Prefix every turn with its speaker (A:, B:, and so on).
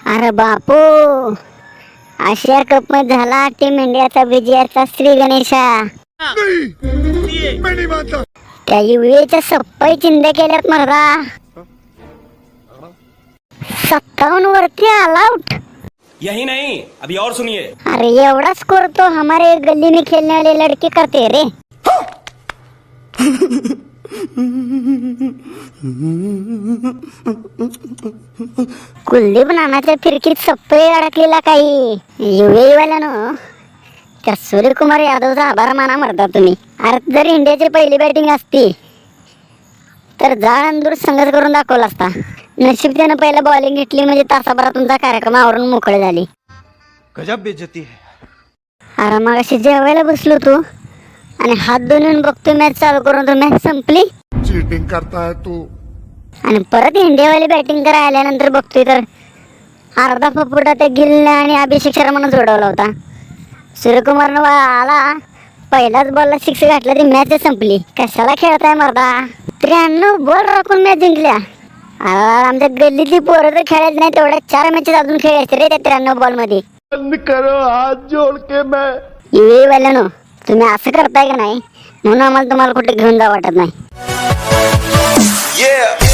A: अरे बापू, आशिया कप मध्ये झाला टीम इंडियाचा विजयाचा श्री गणेशा. त्या युएच्या सप्पाई चिंध्या केल्यात मर्दा. 57 वरती ऑल आउट.
B: यही नहीं, अभी और सुनिए.
A: अरे एवढा स्कोर तो हमारे गली में खेलने वाले लड़के करते रे. कुलदीप नानाच्या फिरकीत सप्पई अडकलेला काही युए वाल्यानं त्या सूर्यकुमार यादवचा आभार माना मरता तुम्ही. अरे जर इंडियाची पहिली बॅटिंग असती तर जाळ अंदूर संघर्ष करून दाखवला असता. नशीब त्यानं पहिला बॉलिंग घेतली म्हणजे तासाभरात तुमचा कार्यक्रम आवरून मोकळे झाली.
B: गजब बेइज्जती है.
A: अरे मग अशी जेवायला बसलो तू आणि हात धुवून बघतोय मॅच चालू करून, तो मॅच संपली.
C: चीटिंग करता है तू.
A: आणि परत इंडियावाली बॅटिंग करायला आल्यानंतर बघतोय तर अर्धा फपुटा त्या गिलने आणि अभिषेक शर्मानं जोडवला होता. सूर्यकुमारनं आला, पहिलाच बॉलला 6 घातला, ती मॅच संपली. कशाला खेळताय मर्दा. 93 बॉल राखून मॅच जिंकल्या. आमच्या गल्लीतली पोरं तर खेळायच नाही, तेवढ्या 4 मॅचेस अजून खेळायचे रे त्या 93 बॉल मध्ये.
C: बंद करो हाथ जोड़ के मैं.
A: युए वाल्यानो, तुम्ही असं करताय का नाही म्हणून आम्हाला तुम्हाला कुठे घेऊन जा वाटत नाही.
B: Yeah.